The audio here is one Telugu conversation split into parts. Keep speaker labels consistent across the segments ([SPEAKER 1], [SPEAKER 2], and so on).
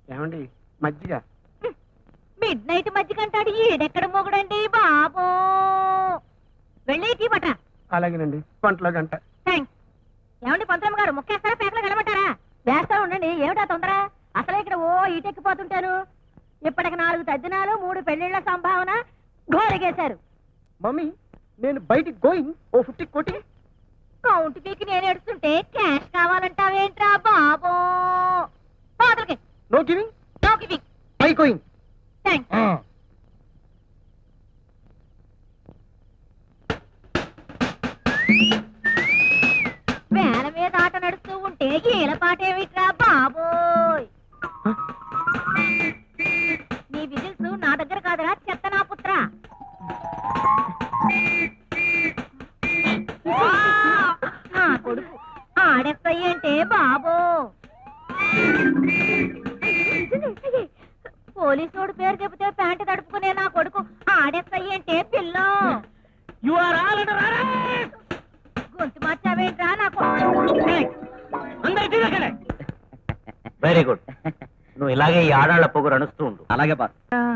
[SPEAKER 1] ఏమండి మజ్జిగ?
[SPEAKER 2] మిడ్ నైట్ మజ్జిగ అంటాడు, ఈడెక్కడ మొగుడండి బాబు. వెళ్ళి టీ పట్ట.
[SPEAKER 1] అలాగేనండి, పంటలో గంట.
[SPEAKER 2] థ్యాంక్స్. ఏమండి పంతులమ్మ గారు, ముక్కేస్తారా పేకలు కలమంటారా? వేస్తా ఉండండి, ఏమిటా తొందర? అసలే ఇక్కడ ఓ ఈటెక్కిపోతుంటాను. ఇప్పటికి 4 తద్దినాలు 3 పెళ్లిళ్ల సంభావన ఘోరగేశారు.
[SPEAKER 1] మమ్మీ, నేను బయటికి గోయింగ్. ఓ 50 కోటి.
[SPEAKER 2] కౌంట్ పీకి నేను ఎడుతుంటే క్యాష్ కావాలంటావేంట్రా బాబు? పాదలకి
[SPEAKER 1] no giving,
[SPEAKER 2] no giving.
[SPEAKER 1] Bye going.
[SPEAKER 2] Thanks. వేల మీద ఆట నడుస్తూ ఉంటే ఈల పాట ఏమిట్రా బాబోయ్? నీ విజిల్స్ నా దగ్గర కాదురా చెత్త నా పుత్ర. నా కొడుకు ఆడెక్కయ్యంటే బాబో. పోలీసోడు పేరు చెబితే ప్యాంటు తడుపుకునే నా కొడుకు ఆడెక్కయ్యంటే పిల్లో. గొంతు మార్చావేంట్రా నా కొడుకు?
[SPEAKER 3] Very good. నువ్వు ఇలాగే ఈ ఆడాళ్ల పొగరు అనుస్తూ ఉండు.
[SPEAKER 4] అలాగే బాస్.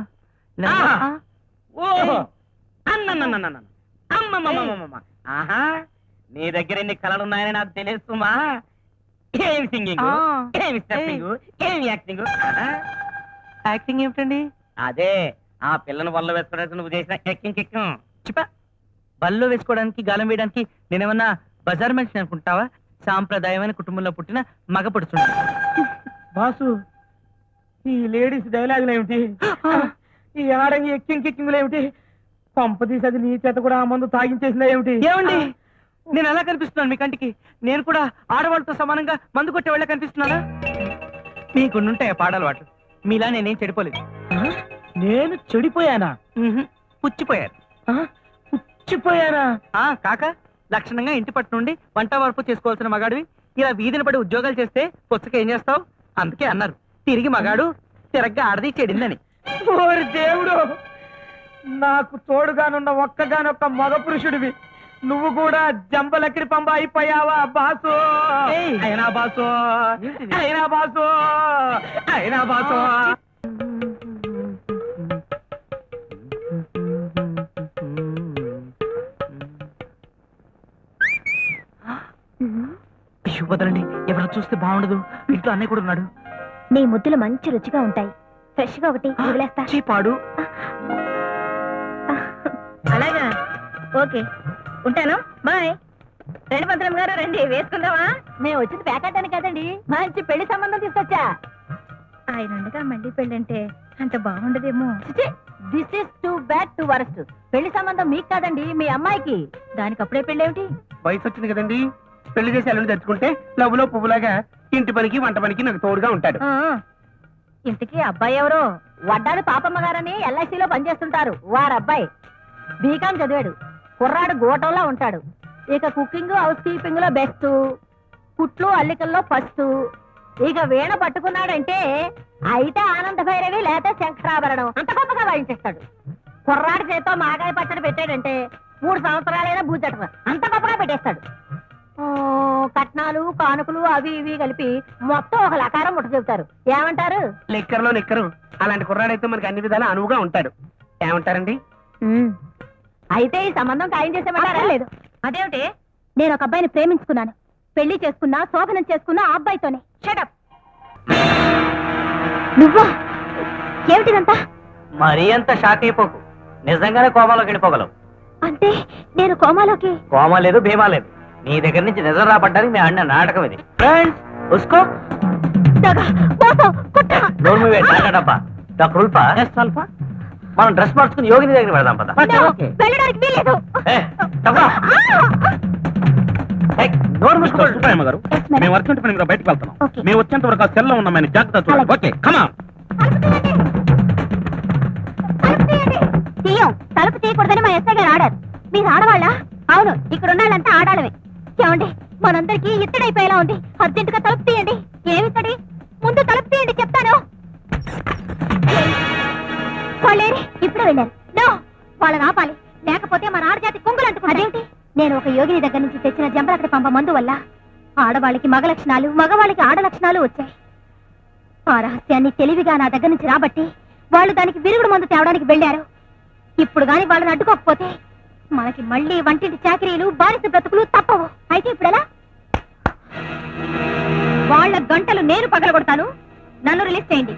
[SPEAKER 3] ఆహా, నీ దగ్గర ఎన్ని కళలున్నాయని నాకు తెలుస్తుమా? ఏమి సింగింగ్, ఏమి స్టెప్పింగ్, ఏమి యాక్టింగ్.
[SPEAKER 4] యాక్టింగ్ ఏమిటండి?
[SPEAKER 3] అదే ఆ పిల్లని వల్ల వేసుకోవడానికి నువ్వు చేసిన ఎక్కింగ్ కిక్కం.
[SPEAKER 4] చిపా, బల్లో వేసుకోవడానికి గాలం వేయడానికి నేనేమన్నా బజార్ మనిషిని అనుకుంటావా? సాంప్రదాయమైన కుటుంబంలో పుట్టిన మగ పడుతుంది.
[SPEAKER 1] బాసు, ఈ లేడీస్ డైలాగులు ఏమిటి? ఈ ఆడంగి ఎక్కింగ్ కిక్కింగ్లు ఏమిటి? పంప తీసి అది నీ చేత కూడా ఆ మందు తాగించేసిందా ఏమిటి?
[SPEAKER 4] ఏమండి, నేను ఎలా కనిపిస్తున్నాను మీ కంటికి? నేను కూడా ఆడవాళ్ళతో సమానంగా మందు కొట్టే వాళ్ళ కనిపిస్తున్నానా? మీకుండుంటాయి పాడలవాటు. మీలా నేనేం చెడిపోలేదు.
[SPEAKER 1] నేను చెడిపోయానా?
[SPEAKER 4] పుచ్చిపోయారు.
[SPEAKER 1] పుచ్చిపోయానా?
[SPEAKER 4] కాక లక్షణంగా ఇంటి పట్టు నుండి వంట వరపు చేసుకోవాల్సిన మగాడివి ఇలా వీధిని పడి ఉద్యోగాలు చేస్తే పుచ్చక ఏం చేస్తావు? అందుకే అన్నారు, తిరిగి మగాడు తిరగ్గా ఆడది చెడిందని.
[SPEAKER 1] ఓరి దేవుడు, నాకు తోడుగానున్న ఒక్కగానొక్క మగ పురుషుడివి నువ్వు కూడా జంబలకిడి పంబ అయిపోయావా బాసు? అయినా బాసు, అయినా బాసు, అయినా బాసు.
[SPEAKER 4] వదలండి, ఎవరు చూస్తే బాగుండదు. ఇంట్లో అన్నయ్య కూడా ఉన్నాడు.
[SPEAKER 2] నీ ముద్దులు మంచి రుచిగా ఉంటాయి. ఫ్రెష్ గా ఒకటి వదిలేస్తా.
[SPEAKER 4] చీపాడు.
[SPEAKER 2] అలాగా, ఓకే, ఉంటాను, బాయ్. రండి పంతులమ్మ గారు, రండి, వేసుకుందామా? మేము వచ్చింది పేకాటానికి కదండి, మంచి పెళ్లి సంబంధం తీసుకొచ్చా. ఆయన ఉండగా మళ్ళీ పెళ్లి అంటే అంత బాగుండదేమో. This is too bad to worst. పెళ్లి సంబంధం మీకు కాదండి, మీ అమ్మాయికి. దానికి అప్పుడే పెళ్లి ఏమిటి?
[SPEAKER 1] వయసు వచ్చింది కదండి, పెళ్లి చేసి అల్లుని తెచ్చుకుంటే లవ్లో పువ్వులాగా ఇంటి పనికి వంట పనికి నాకు తోడుగా ఉంటాడు.
[SPEAKER 2] ఇంటికి అబ్బాయి ఎవరో? వడ్డాడు పాపమ్మ గారని ఎల్ఐసిలో పనిచేస్తుంటారు. వారబ్బాయి బీకాం చదివాడు. కుర్రాడు గోటంలో ఉంటాడు. ఇక కుకింగ్ హౌస్ కీపింగ్ లో బెస్ట్, కుట్లు అల్లికల్లో ఫస్ట్. ఇక వీణ పట్టుకున్నాడంటే అయితే ఆనంద భైరవి లేక శంకరాభరణం అంత గొప్పగా వాయించేస్తాడు. కుర్రాడి చేతో మాగాయ పచ్చడి పెట్టాడంటే 3 సంవత్సరాలైనా బూజట అంత గొప్పగా పెట్టేస్తాడు. కట్నాలు కానుకలు అవి ఇవి కలిపి మొత్తం ఒక లకారం ముట్ట చెబుతారు. ఏమంటారు?
[SPEAKER 1] లెక్కర్లో లెక్కరు. అలాంటి కుర్రాడైతే మనకి అన్ని విధాలా అనువుగా ఉంటాడు. ఏమంటారండి?
[SPEAKER 2] అయితే ఈ సంబంధం ఖాయం చేసేమంటారా? లేదు. అదేమిటి? నేను ఒక అబ్బాయిని ప్రేమించుకున్నాను. పెళ్లి చేసుకున్నా, శోభనం చేసుకున్నా ఆ అబ్బాయితోనే. షటప్. నువ్వా? ఏమిటిదంతా?
[SPEAKER 3] మరీ అంత షాక్ అయిపోకు. నిజంగానే కోమాలోకి వెళ్ళిపోగలవు.
[SPEAKER 2] అంటే నేను కోమాలోకి?
[SPEAKER 3] కోమా లేదు, భీమా లేదు. నీ దగ్గర నుంచి నిజం రాబడ్డానికి మేము ఆడిన నాటకం ఇది. ఫ్రెండ్స్, ఉస్కో డబ్బా డాక్టర్ ఉల్పా, మనం డ్రెస్ మార్చుకుని యోగిని దగ్గర పెడదాం పద.
[SPEAKER 2] వెళ్ళడానికి వీల్లేదు.
[SPEAKER 1] నోరు మూసుకోండి సుబ్బయ్యమ్మ గారు. మేము వర్క్ పని మీద బయటకు వెళ్తున్నాం. మేము వచ్చేంత వరకు ఆ సెల్లో ఉన్నామని జాగ్రత్త చూడండి. ఓకే, కమా.
[SPEAKER 2] తలుపు తీయకూడదని మా ఎస్ఐ గారు ఆడారు. మీరు ఆడవాళ్ళ? అవును, ఇక్కడ ఉన్నాళ్ళంతా ఆడాలమే. ఏమండి, మనందరికీ ఇత్తడైపోయేలా ఉంది. అర్జెంటుగా తలుపు తీయండి. ఏమిత్తడి? ముందు తలుపు తీయండి చెప్తాను. వాళ్ళేరి ఇప్పుడే వెళ్ళారు. నో, వాళ్ళని ఆపాలి, లేకపోతే మన ఆడజాతి కుంగులు అంటుకుంటాయి. అదేంటి? నేను ఒక యోగిని దగ్గర నుంచి తెచ్చిన జంబలకడి పంప మందు వల్ల ఆడవాళ్ళకి మగ లక్షణాలు, మగవాళ్ళకి ఆడ లక్షణాలు వచ్చాయి. ఆ రహస్యాన్ని తెలివిగా నా దగ్గర నుంచి రాబట్టి వాళ్ళు దానికి విరుగుడు మందు తేవడానికి వెళ్ళారు. ఇప్పుడు గాని వాళ్ళని అడ్డుకోకపోతే మనకి మళ్ళీ వంటింటి చాకరీలు బానిస బ్రతుకులు తప్పవు. అయితే ఇప్పుడు ఎలా? వాళ్ళ గంటలు నేను పగలగొడతాను. నన్ను రిలీజ్ చేయండి.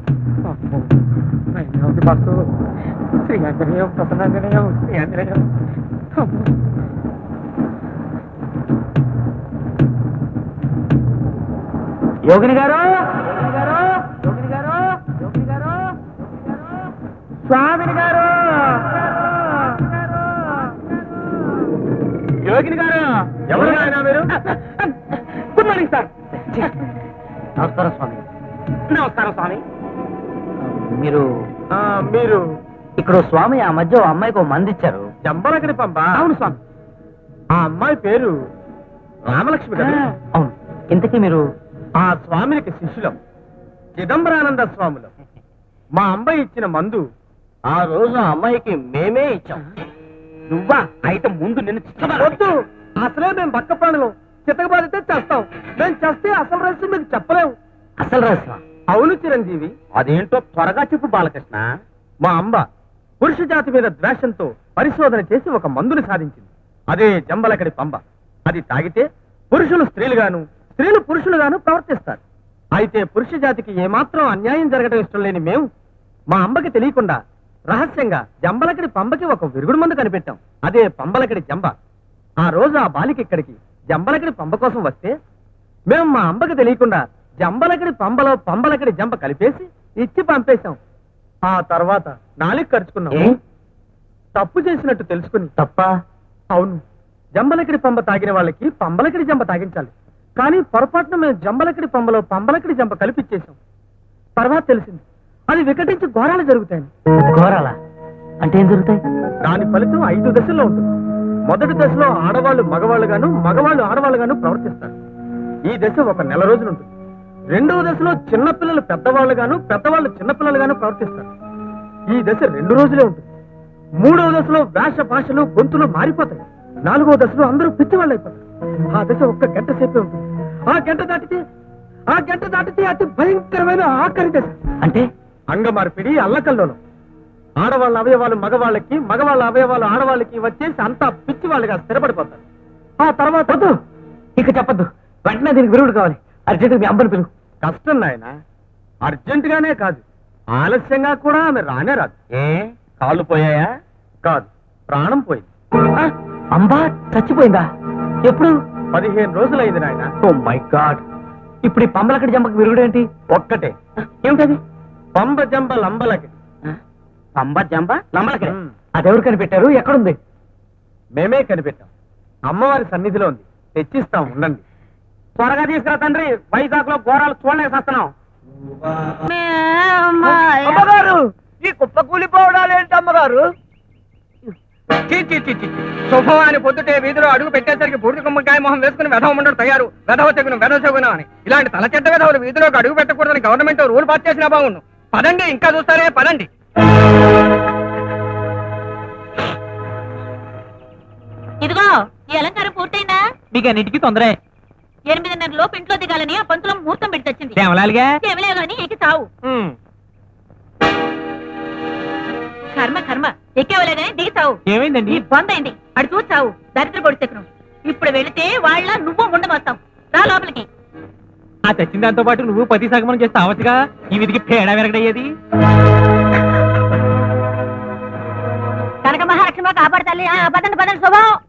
[SPEAKER 1] బాసు శ్రీ ఆంజనేయం ప్రసన్నాంజనేయం శ్రీ ఆంజనేయం.
[SPEAKER 3] యోగిని గారు
[SPEAKER 1] స్వామిని గారు, యోగిని గారు, ఎవరు నాయనా మీరు? Good morning sir.
[SPEAKER 3] నమస్కారం స్వామి.
[SPEAKER 1] నమస్కారం స్వామి.
[SPEAKER 3] మీరు
[SPEAKER 1] మీరు
[SPEAKER 3] ఇక్కడ స్వామి ఆ మధ్య ఓ అమ్మాయికి ఓ మంది ఇచ్చారు.
[SPEAKER 1] జంబలకడి పంప? అవును స్వామి. ఆ అమ్మాయి పేరు రామలక్ష్మి కదా?
[SPEAKER 3] అవును. ఇంతకీ మీరు?
[SPEAKER 1] ఆ స్వామికి శిష్యులం, చిదంబరానంద స్వాములం. మా అమ్మాయి ఇచ్చిన మందు
[SPEAKER 3] ఆ రోజు ఆ అమ్మాయికి మేమే ఇచ్చాం.
[SPEAKER 1] నువ్వా? అయితే ముందు నిన్ను వద్దు. అసలే మేము పక్క ప్రాణులు. చితకబాదితే చేస్తాం. మేము చేస్తే అసలు రహస్యం మీకు చెప్పలేము.
[SPEAKER 3] అసలు రహస్యం?
[SPEAKER 1] అవును చిరంజీవి.
[SPEAKER 3] అదేంటో త్వరగా చెప్పు బాలకృష్ణ.
[SPEAKER 1] మా అంబ పురుష జాతి మీద ద్వేషంతో పరిశోధన చేసి ఒక మందుని సాధించింది. అదే జంబలకడి పంబ. అది తాగితే పురుషులు స్త్రీలుగాను, స్త్రీలు పురుషులుగాను ప్రవర్తిస్తారు. అయితే పురుష జాతికి ఏమాత్రం అన్యాయం జరగడం ఇష్టం లేని మేము మా అంబకి తెలియకుండా రహస్యంగా జంబలకడి పంబకి ఒక విరుగుడు మందు కనిపెట్టాం. అదే పంబలకడి జంబ. ఆ రోజు ఆ బాలిక ఇక్కడికి జంబలకడి పంబ కోసం వస్తే మేము మా అంబకి తెలియకుండా జంబలకడి పంబలో పంబలకడి జంబ కలిపేసి ఇచ్చి పంపేశాం. ఆ తర్వాత నాలుగు ఖర్చుకున్నాం. తప్పు చేసినట్టు తెలుసుకుని.
[SPEAKER 3] తప్ప?
[SPEAKER 1] అవును. జంబలకడి పంబ తాగిన వాళ్ళకి పంబలకడి జంబ తాగించాలి. కానీ పొరపాటున మేము జంబలకడి పంబలో పంబలకడి జంబ కలిపిచ్చేసాం. తర్వాత తెలిసింది అది వికటించి ఘోరాలు జరుగుతాయని.
[SPEAKER 3] ఘోరాలా అంటే ఏం జరుగుతాయి?
[SPEAKER 1] దాని ఫలితం 5 దశల్లో ఉంటుంది. మొదటి దశలో ఆడవాళ్ళు మగవాళ్ళుగాను, మగవాళ్ళు ఆడవాళ్ళుగాను ప్రవర్తిస్తారు. ఈ దశ ఒక నెల రోజులు ఉంటుంది. రెండవ దశలో చిన్నపిల్లలు పెద్దవాళ్ళుగాను, పెద్దవాళ్ళు చిన్నపిల్లలుగాను ప్రవర్తిస్తారు. ఈ దశ 2 రోజులే ఉంటుంది. మూడవ దశలో వేష భాషలు గొంతులు మారిపోతాయి. 4వ దశలో అందరూ పిచ్చివాళ్ళు అయిపోతారు. ఆ దశ ఒక్క గంట సేపే ఉంటుంది. ఆ గంట దాటితే అతి భయంకరమైన ఆఖరి దశ.
[SPEAKER 3] అంటే
[SPEAKER 1] అంగమార్పిడి, అల్లకల్లోలం. ఆడవాళ్ళ అవయవాలు మగవాళ్ళకి, మగవాళ్ళ అవయవాలు ఆడవాళ్ళకి వచ్చేసి అంతా పిచ్చి వాళ్ళుగా స్థిరపడిపోతారు. ఆ తర్వాత
[SPEAKER 3] ఇక చెప్పద్దు. వెంటనే దీనికి విరుగుడు కావాలి. అర్జెంట్ మీ అమ్మని పిలువు.
[SPEAKER 1] కష్టం నాయన. అర్జెంట్ గానే కాదు, ఆలస్యంగా కూడా ఆమె రానే రాదు.
[SPEAKER 3] ఏ కాళ్ళు పోయాయా?
[SPEAKER 1] కాదు, ప్రాణం పోయింది.
[SPEAKER 3] అంబా చచ్చిపోయిందా? ఎప్పుడు?
[SPEAKER 1] 15 రోజులైంది నాయన.
[SPEAKER 3] Oh my god. ఇప్పుడు ఈ పంబలకడి జంబకి విరుగుడు ఏంటి?
[SPEAKER 1] ఒక్కటే.
[SPEAKER 3] ఏమిటది?
[SPEAKER 1] పంబ జంబ లంబలకి.
[SPEAKER 3] పంబ జంబ లంబలకడి.
[SPEAKER 1] మ్.
[SPEAKER 3] అదెవరు కనిపెట్టారు? ఎక్కడుంది?
[SPEAKER 1] మేమే కనిపెట్టాం. అమ్మవారి సన్నిధిలో ఉంది. తెచ్చిస్తాం, ఉండండి.
[SPEAKER 3] త్వరగా తీసుకురా తండ్రి. వైజాగ్ లో ఘోరాలు చూడలేకొస్తున్నాం.
[SPEAKER 1] అమ్మగారు, ఈ కుప్ప కూలిపోవడాలేంటి అమ్మగారు?
[SPEAKER 4] శుభవాని పొద్దుటే వీధిలో అడుగు పెట్టేసరికి బూడిద గుమ్మకాయ మొహం వేసుకుని వెధవ ఉండడు తయారు. వెధవ చెగును అని ఇలాంటి తల చెడ్డ వెధవులు వీధిలోకి అడుగు పెట్టకూడదని గవర్నమెంట్ రూల్ పాస్ చేసినా బాగుండు. పదండి, ఇంకా చూస్తారే, పదండి.
[SPEAKER 2] ఇదిగో ఈ అలంకారం పూర్తయిందా?
[SPEAKER 4] మీకు అన్నిటికీ తొందరే.
[SPEAKER 2] 8:30 లోపు ఇంట్లో దిగాలని ఆ పంతులో ముహూర్తం పెట్టి తెచ్చింది.
[SPEAKER 4] దేవలాలిగా
[SPEAKER 2] కేవలే గాని ఎక్కి చావు. కర్మ ఎక్కేవలే గాని దిగి చావు.
[SPEAKER 4] ఏమైందండి?
[SPEAKER 2] నీ బందైంది. అడు చూసి చావు. దరిద్ర పొడి చెక్కును. ఇప్పుడు వెళితే వాళ్ళ నువ్వు ఉండమొస్తావు. రా లోపలికి.
[SPEAKER 4] ఆ తెచ్చిన దాంతో పాటు నువ్వు పతి సగమనం చేస్తే అవచ్చుగా. ఈ విధికి పేడ వెరగడయ్యేది.
[SPEAKER 2] కనక మహాలక్ష్మి కాపాడతాలి. పదండి శుభం.